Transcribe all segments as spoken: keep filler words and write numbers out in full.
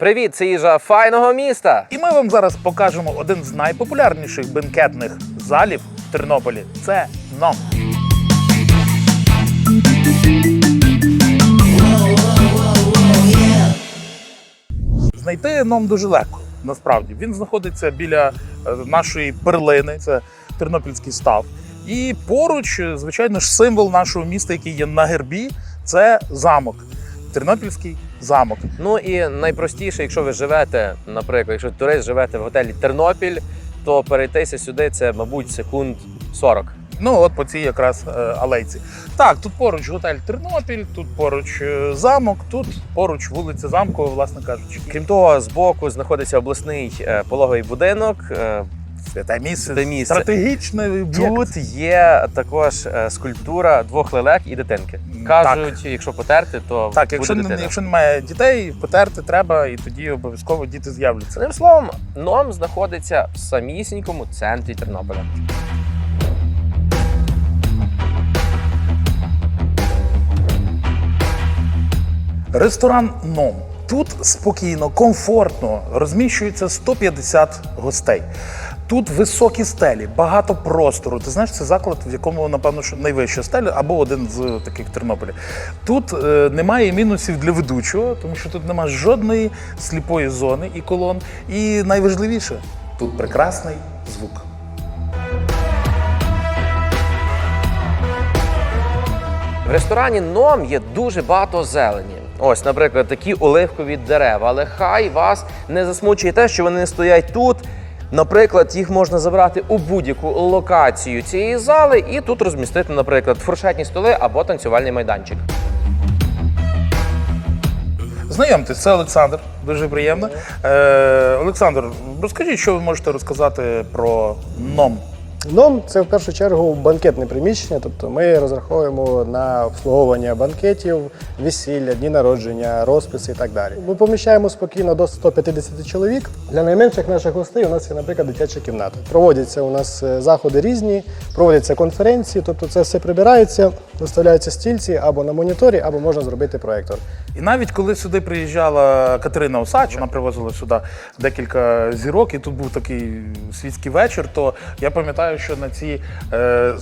Привіт, це їжа файного міста! І ми вам зараз покажемо один з найпопулярніших бенкетних залів в Тернополі. Це ном. Знайти ном дуже легко, насправді. Він знаходиться біля нашої перлини, це Тернопільський став. І поруч, звичайно ж, символ нашого міста, який є на гербі, це замок. Тернопільський замок. Ну і найпростіше, якщо ви живете, наприклад, якщо турист живете в готелі Тернопіль, то перейтися сюди це, мабуть, секунд сорок. Ну, от по цій якраз е, алейці. Так, тут поруч готель Тернопіль, тут поруч е, замок, тут поруч вулиця Замкова, власне кажучи. Крім того, збоку знаходиться обласний е, пологовий будинок. Е, Святе місце, Святе місце. стратегічне об'єкт. Тут є також е, скульптура двох лелек і дитинки. Кажуть, Так. якщо потерти, то Так, буде якщо, дитина. не, якщо немає дітей, потерти треба, і тоді обов'язково діти з'являться. Одним словом, ном знаходиться в самісінькому центрі Тернополя. Ресторан «Ном». Тут спокійно, комфортно розміщується сто п'ятдесят гостей. Тут високі стелі, багато простору. Ти знаєш, це заклад, в якому, напевно, що найвища стеля, або один з таких в Тернополі. Тут е, немає мінусів для ведучого, тому що тут немає жодної сліпої зони і колон. І найважливіше, тут прекрасний звук. В ресторані «Ном» є дуже багато зелені. Ось, наприклад, такі оливкові дерева. Але хай вас не засмучує те, що вони не стоять тут. Наприклад, їх можна забрати у будь-яку локацію цієї зали і тут розмістити, наприклад, фуршетні столи або танцювальний майданчик. Знайомтесь, це Олександр, дуже приємно. Е, Олександр, розкажіть, що ви можете розказати про «Ном». Ном – це в першу чергу банкетне приміщення, тобто ми розраховуємо на обслуговування банкетів, весілля, дні народження, розписи і так далі. Ми поміщаємо спокійно до ста п'ятдесяти чоловік. Для найменших наших гостей у нас є, наприклад, дитяча кімната. Проводяться у нас заходи різні, проводяться конференції, тобто це все прибирається, виставляються стільці або на моніторі, або можна зробити проєктор. І навіть коли сюди приїжджала Катерина Осадча, вона привозила сюди декілька зірок, і тут був такий світський вечір, то я пам'ятаю, що на ці е,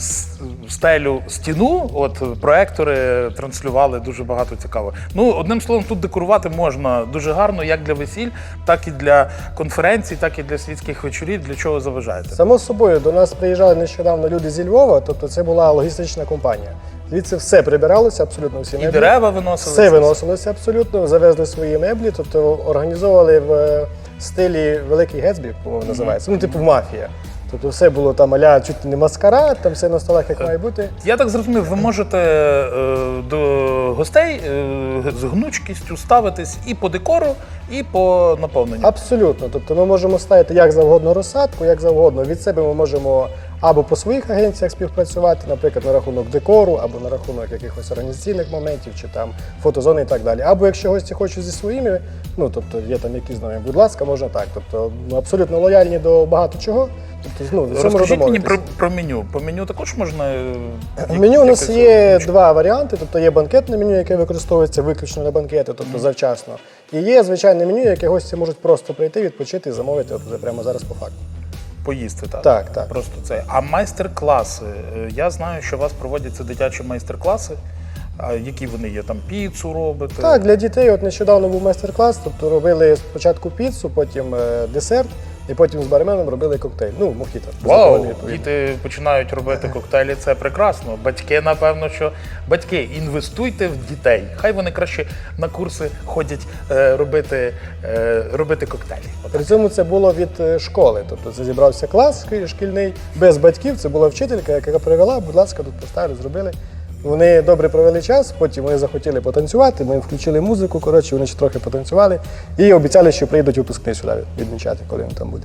стелю стіну от проектори транслювали дуже багато цікавого. Ну, одним словом, тут декорувати можна дуже гарно, як для весіль, так і для конференцій, так і для світських вечорів. Для чого заважаєте? Само собою, до нас приїжджали нещодавно люди зі Львова, тобто це була логістична компанія. Звідси все прибиралося, абсолютно всі меблі. І дерева виносили? Все виносилося абсолютно, завезли свої меблі, тобто організовували в стилі Великий Гетсбі, по-моєму, називається, ну типу мафія. Тобто все було там а-ля чуть не маскарад, там все на столах як має бути. Я так зрозумів, ви можете е, до гостей е, з гнучкістю ставитись і по декору, і по наповненню. Абсолютно. Тобто ми можемо ставити як завгодно розсадку, як завгодно. Від себе ми можемо або по своїх агенціях співпрацювати, наприклад, на рахунок декору, або на рахунок якихось організаційних моментів, чи там фотозони і так далі. Або якщо гості хочуть зі своїми, ну тобто є там якісь з нами, будь ласка, можна так. Тобто ми абсолютно лояльні до багато чого. Тобто, ну, до цьому Розкажіть мені домовитись. про, про меню. По меню також можна? е, В меню у нас якось є гнучко? два варіанти. Тобто є банкетне меню, яке використовується виключно на банкети, тобто завчасно. І є звичайне меню, яке гості можуть просто прийти, відпочити і замовити от прямо зараз по факту. Поїсти, так? Так, так. Просто це. А майстер-класи? Е, Я знаю, що у вас проводяться дитячі майстер-класи. А які вони є? Там піцу робите? Так, для дітей от нещодавно був майстер-клас, тобто робили спочатку піцу, потім е, десерт, і потім з барменом робили коктейль. Ну, мохіто. Вау, безалкогольний, відповідно. діти починають робити коктейлі, це прекрасно. Батьки, напевно, що батьки, інвестуйте в дітей. Хай вони краще на курси ходять е, робити, е, робити коктейлі. Отак. При цьому це було від е, школи, тобто це зібрався клас шки- шкільний, без батьків, це була вчителька, яка привела, будь ласка, тут поставили, зробили. Вони добре провели час, потім вони захотіли потанцювати, ми включили музику, коротше, вони ще трохи потанцювали і обіцяли, що прийдуть випускний сюди відмічати, коли він там буде.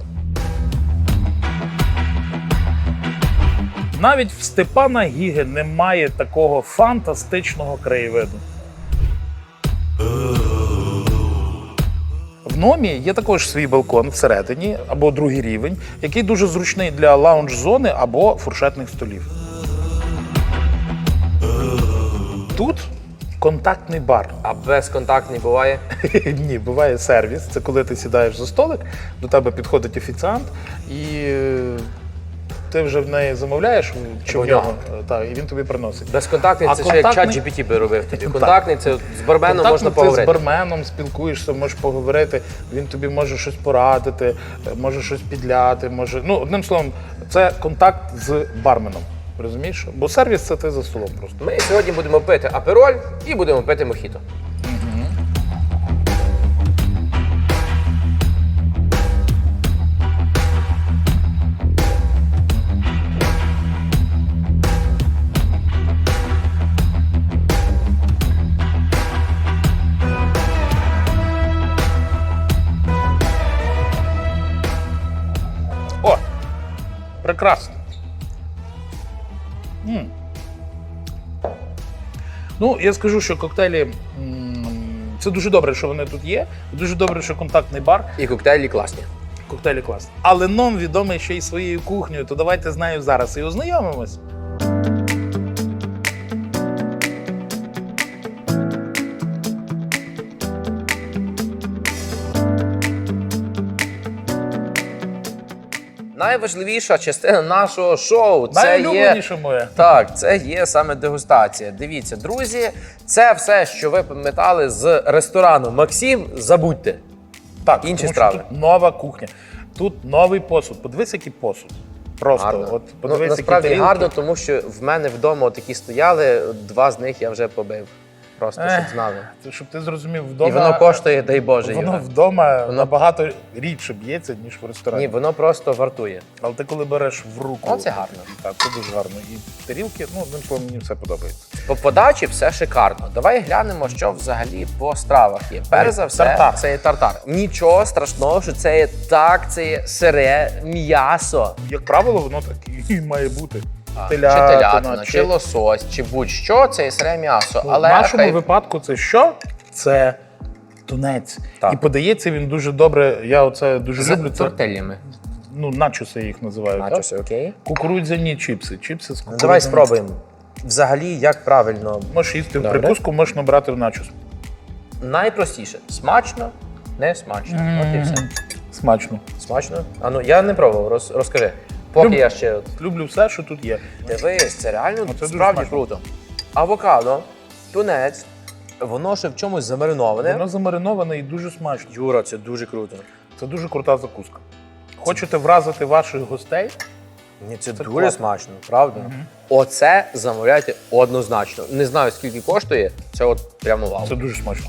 Навіть в Степана Гіги немає такого фантастичного краєвиду. В «Номі» є також свій балкон всередині, або другий рівень, який дуже зручний для лаунж-зони або фуршетних столів. Тут Контактний бар. А безконтактний буває? Ні, буває сервіс. Це коли ти сідаєш за столик, до тебе підходить офіціант, і е, ти вже в неї замовляєш, чи в В нього, нього. е, так, і він тобі приносить. Безконтактний А це ще як чат контактний- джі пі ті би робив тобі. Контактний це з барменом Контактно можна ти поговорити. з барменом спілкуєшся, можеш поговорити, він тобі може щось порадити, е, може щось підляти, може. Ну, одним словом, це контакт з барменом. Розумієш? Бо сервіс це ти за столом просто. Ми сьогодні будемо пити апероль і будемо пити мохіто. О! Прекрасно. М. Ну, я скажу, що коктейлі м, це дуже добре, що вони тут є. Дуже добре, що контактний бар. І коктейлі класні. Коктейлі класні. Але ном відомий ще й своєю кухнею, то давайте з нею зараз і ознайомимось. Найважливіша частина нашого шоу це є. Найулюбленіше моє. Так, це є саме дегустація. Дивіться, друзі, це все, що ви пам'ятали з ресторану Максим, забудьте. Так, Інші тому страви. що тут нова кухня. Тут новий посуд. Подивись, який посуд. Просто Гарно. от Ну, подивись, насправді які гарно, тарілки. тому що в мене вдома такі стояли, два з них я вже побив. Просто щоб Ех, знали. Це, щоб ти зрозумів, вдома. І воно коштує, дай Боже, Воно Юра. вдома Воно- набагато рідше б'ється, ніж в ресторані. Ні, воно просто вартує. Але ти коли береш в руку. О, це гарно. Так, це дуже гарно. І тарілки, ну, одним словом, мені все подобається. По подачі все шикарно. Давай глянемо, що взагалі по стравах є. Перш за все, Тартар. це є тартар. Нічого страшного, що це є так, це є сире м'ясо. Як правило, воно так і має бути. Чи телятина, чи лосось, чи будь-що, це є сире м'ясо. Ну, Але в нашому хай- випадку це що? Це тунець. Так. І подається він дуже добре. Я оце дуже з люблю. Це, тортильями. ну, начоси їх називають. так? Начоси, окей. Кукурудзяні чіпси. Чіпси з Ну, кукурудзяним. давай спробуємо. Взагалі, як правильно. Можеш їсти в Добре. прикуску, можеш набрати в начос. Найпростіше. Смачно, не смачно. От і все. Смачно. Смачно? А ну, я не пробував, роз, розкажи. Поки Люб- я ще от. Люблю все, що тут є. Дивись, це реально Ну, це дуже справді смачно. круто. Авокадо, тунець, воно ще в чомусь замариноване. Воно замариноване і дуже смачно. Юра, це дуже круто. Це дуже крута закуска. Хочете вразити ваших гостей? Ні, це, Це дуже класно. смачно, правда? Оце замовляйте однозначно. Не знаю, скільки коштує, це от прямо вау. Це дуже смачно.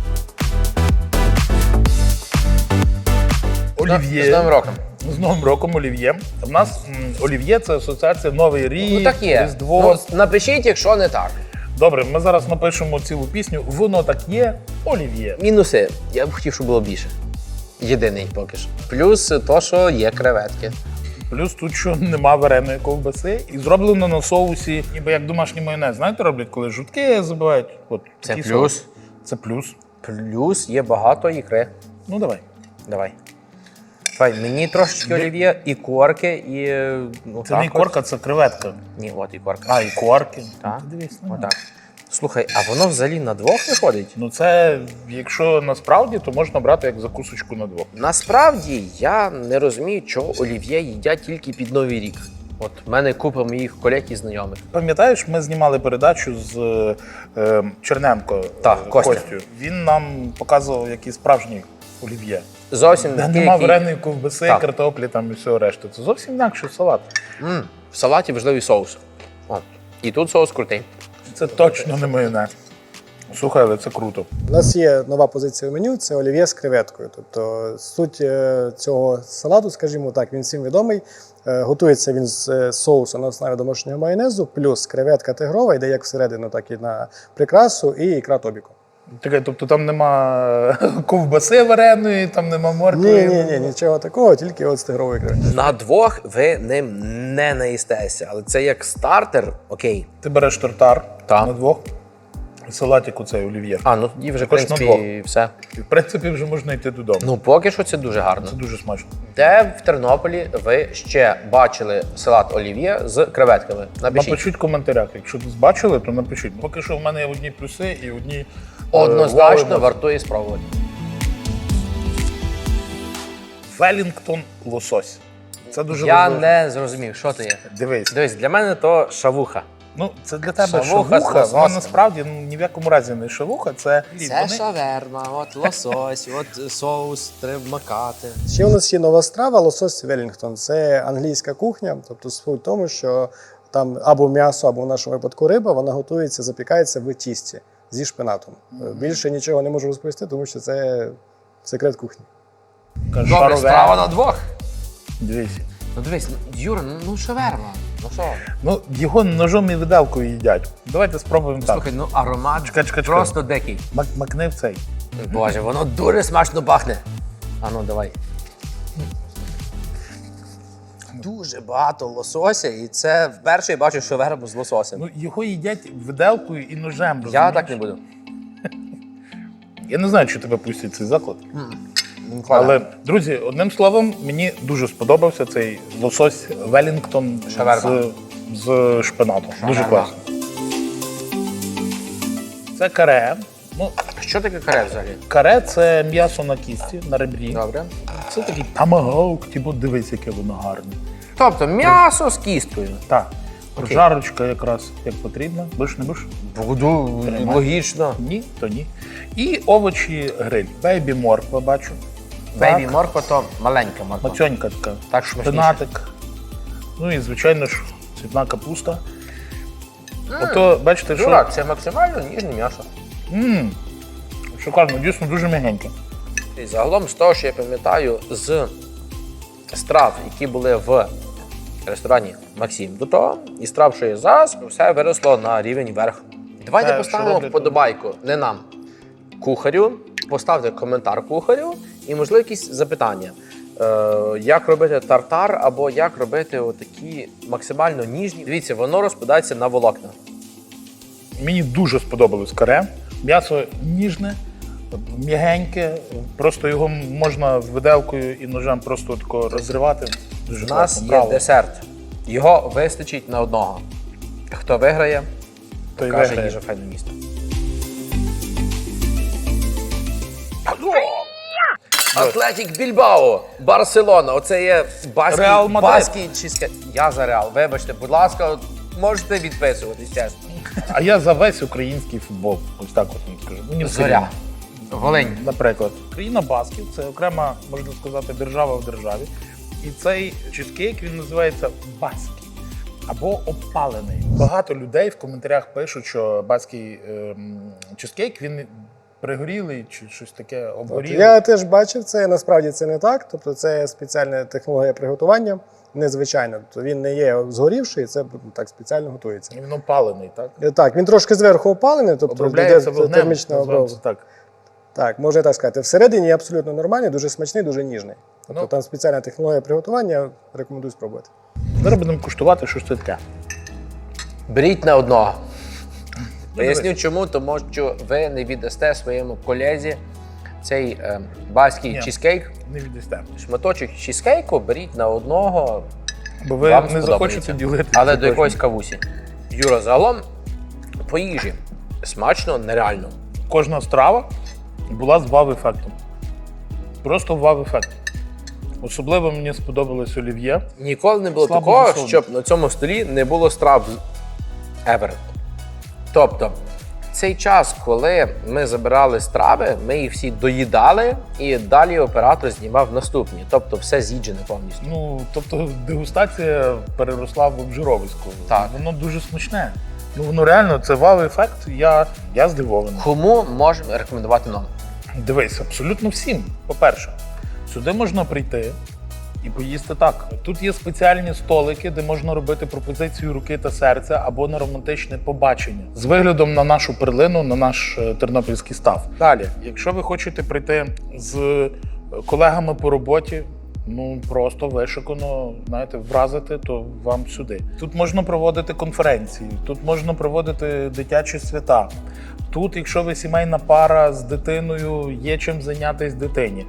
З Олів'є. Новим роком. З Новим роком олів'є. У нас м, олів'є це асоціація Новий рік, Ну так є. Різдво. Ну, напишіть, якщо не так. Добре, ми зараз напишемо цілу пісню. Воно так є, олів'є. Мінуси. Я б хотів, щоб було більше. Єдиний поки що. Плюс то, що є креветки. Плюс тут що нема вареної ковбаси і зроблено на соусі, ніби як домашній майонез. Знаєте, роблять, коли жутки забивають. От, Це такий плюс. соус. Це плюс. Плюс є багато ікри. Ну давай. Давай. Давай, мені трошечки олів'є, і корки, і. Ну, Це не так от. корка, це креветка. Ні, от і корка. А, і корки. Так. Ти дивись, ну. Отак. Слухай, а воно взагалі на двох виходить? Ну це, якщо насправді, то можна брати як закусочку на двох. Насправді я не розумію, чого олів'є їдять тільки під Новий рік. От в мене купа моїх колег і знайомих. Пам'ятаєш, ми знімали передачу з е, Черненко Так, е, Костя. Костю. Він нам показував, які справжні олів'є. Зовсім Де такий, нема який- вареної ковбаси, Так. картоплі там і всього решти. Це зовсім інакший салат. М, в салаті важливий соус. О, і тут соус крутий. Це точно не майонез. Слухай, але це круто. У нас є нова позиція в меню це олів'є з креветкою. Тобто суть е, цього салату, скажімо так, він всім відомий. Е, Готується він з е, соусу на основі домашнього майонезу, плюс креветка тигрова, йде як всередину, так і на прикрасу, і ікра тобіку. Таке, тобто там нема ковбаси вареної, там нема моркви. Ні, ні, ні, нічого такого, тільки от з тигрової креветки. На двох ви ним не наїстеся, але це як стартер, окей. Ти береш тартар Так. на двох, салатику цей олів'є. А, ну тоді вже, в Також на принципі, все. І, в принципі, вже можна йти додому. Ну, поки що це дуже гарно. Це дуже смачно. Де в Тернополі ви ще бачили салат олів'є з креветками? Напишіть. Напишіть в коментарях, якщо десь бачили, то напишіть. Поки що в мене є одні плюси і одні е, Однозначно вау, вартує спробувати. Велінгтон лосось. Це дуже Я важливо. не зрозумів, що це є. Дивись. Дивись, для мене то шавуха. Ну, це для тебе Шавуха шавуха, з вона лососем. насправді ну, ні в якому разі не шавуха, це... Це вони- шаверма, от лосось, от соус треба макати. Ще у нас є нова страва лосось Велінгтон. Це англійська кухня, тобто суть в тому, що там або м'ясо, або в нашому випадку риба, вона готується, запікається в тісті зі шпинатом. Більше нічого не можу розповісти, тому що це секрет кухні. Каже, Добре, шарове. страва на двох. Дивись. Ну дивись, ну, Юра, ну, ну шаверма. Ну що? Ну, його ножом і виделкою їдять. Давайте спробуємо так. Слухай, ну аромат Чекай, чекай, чекай. просто дикий. Мак- Макни в цей. Боже, воно дуже смачно пахне. А ну давай. Дуже багато лосося, і це вперше я бачу шаверму з лососем. Ну, його їдять виделкою і ножем. Я розумієш? так не буду. Я не знаю, чи тебе пустять цей заклад. Але Але, друзі, одним словом, мені дуже сподобався цей лосось Велінгтон Шаверма. з, з шпинатом. Дуже Шаверма. класно. Це каре. Ну, що таке каре взагалі? каре це м'ясо на кісті, на ребрі. Добре. Це такий тамагаук, типу, дивись, яке воно гарне. Тобто м'ясо з кісткою. Так. Окей. Прожарочка якраз як потрібно. Будеш, не будеш? Буду, Тримай. логічно. Ні, то ні. І овочі гриль. Бейбі морква бачу. Бейбі Так. морква то маленька морква. Мацьонька така. Так, шпинатик. Ну і, звичайно ж, цвітна капуста. Ото, бачите, що... Чувак, це максимально ніжне м'ясо. Ммм, шикарно, дійсно дуже м'ягеньке. І загалом з того, що я пам'ятаю, з страв, які були в ресторані Максим до того, і страв, що є зараз, все виросло на рівень вверх. Давайте Те, що поставимо роблять вподобайку, не нам, кухарю, поставте коментар кухарю і, можливо, якісь запитання. Е, як робити тартар або як робити отакі максимально ніжні. Дивіться, воно розпадається на волокна. Мені дуже сподобалось каре. М'ясо ніжне, м'ягеньке, просто його можна виделкою і ножем просто тако розривати. Дуже У нас класно. є Браво. десерт. Його вистачить на одного. Хто виграє, Той каже виграє. їжа файне місто. Атлетік Більбао, Барселона. Оце є баский, Реал Мадрид. баский чизке. Я за Реал. Вибачте, будь ласка, можете відписуватись, чесно. А я за весь український футбол. Ось так от вам скажу. Мені все Зоря. рівно. Волинь. Наприклад, країна Басків це окрема, можна сказати, держава в державі. І цей чизкейк він називається баский або обпалений. Багато людей в коментарях пишуть, що баский ем, чизкейк він пригорілий чи щось таке От, обгорілий. я теж бачив це, насправді це не так. Тобто це спеціальна технологія приготування, незвичайна. Тобто він не є згорівший, це так спеціально готується. Він опалений, так? Е, Так, він трошки зверху опалений, тобто Обробляється йде вогнем. термічна називаємо обробка. це так. Так, можна так сказати. Всередині абсолютно нормальний, дуже смачний, дуже ніжний. Тобто Ну. там спеціальна технологія приготування, рекомендую спробувати. Зараз будемо куштувати, що ж це таке. Беріть на одного. Поясню дивись. чому, тому що ви не віддасте своєму колезі цей е, баский Ні. чізкейк. Не віддасте. Шматочок чізкейку беріть на одного, Бо ви вам не сподобається. захочете ділити. Але це до точно. якоїсь кавусі. Юра, загалом по їжі смачно, нереально. Кожна страва була з вау-ефектом. Просто вау-ефект. Особливо мені сподобалось олів'є. Ніколи не було Слабо такого, засолено. щоб на цьому столі не було страв ever. Тобто, цей час, коли ми забирали страви, ми їх всі доїдали, і далі оператор знімав наступні. Тобто все з'їджене повністю. Ну, тобто дегустація переросла в обжировисько. Так. Воно дуже смачне. Ну, воно реально, це вау-ефект. Я, я здивований. Кому можемо рекомендувати нам? Дивись, абсолютно всім. По-перше, сюди можна прийти і поїсти так. Тут є спеціальні столики, де можна робити пропозицію руки та серця або на романтичне побачення з виглядом на нашу перлину, на наш е, тернопільський став. Далі, якщо ви хочете прийти з колегами по роботі, ну просто вишикано, знаєте, вразити, то вам сюди. Тут можна проводити конференції, тут можна проводити дитячі свята. Тут, якщо ви сімейна пара з дитиною, є чим зайнятися дитині.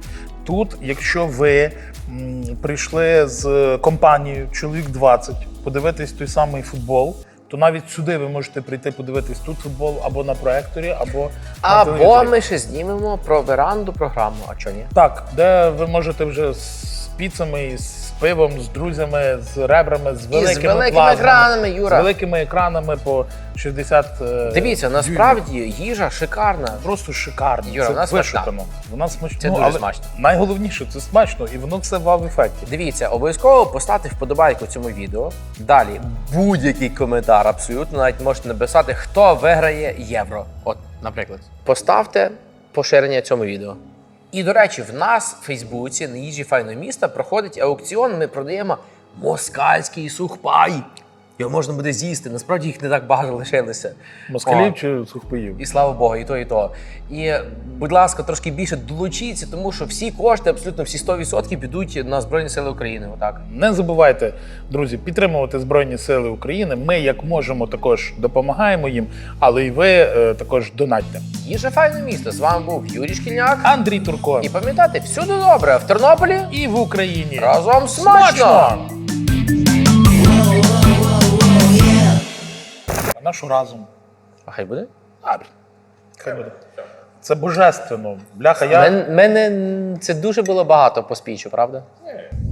Тут, якщо ви м, прийшли з компанією чоловік двадцять подивитись той самий футбол, то навіть сюди ви можете прийти подивитись тут футбол або на проекторі, або на Або телевізорі. ми ще знімемо про веранду програму, а чого ні? Так, де ви можете вже з піцами, з пивом, з друзями, з ребрами, з великими, І з великими плазмами, екранами, Юра. з великими екранами по шістдесят е, Дивіться, дюймів. насправді їжа шикарна. Просто шикарно. Юра, це вона смачна. вишукано. Вона смачна. Це Ну, дуже але смачно. Найголовніше, це смачно, і воно все в вау-ефекті. Дивіться, обов'язково поставте вподобайку цьому відео. Далі будь-який коментар, абсолютно навіть можете написати, хто виграє євро. От, наприклад, поставте поширення цьому відео. І, до речі, в нас в Фейсбуці на їжі файного міста проходить аукціон. Ми продаємо москальський сухпай. Його можна буде з'їсти. Насправді їх не так багато лишилося. Москалів О. чи сухпаїв? І слава Богу, і то, і то. І, будь ласка, трошки більше долучіться, тому що всі кошти, абсолютно всі сто відсотків підуть на Збройні Сили України. Отак. Не забувайте, друзі, підтримувати Збройні Сили України. Ми, як можемо, також допомагаємо їм, але й ви е, також донатьте. Їжа файне місто. З вами був Юрій Шкільняк. Андрій Турко. І пам'ятайте, всюди добре. В Тернополі І в Україні. разом смачно! А нашу разом. А хай буде? А, хай буде. Це божественно. Бляха, я... Мен- мене це дуже було багато по спічу, правда?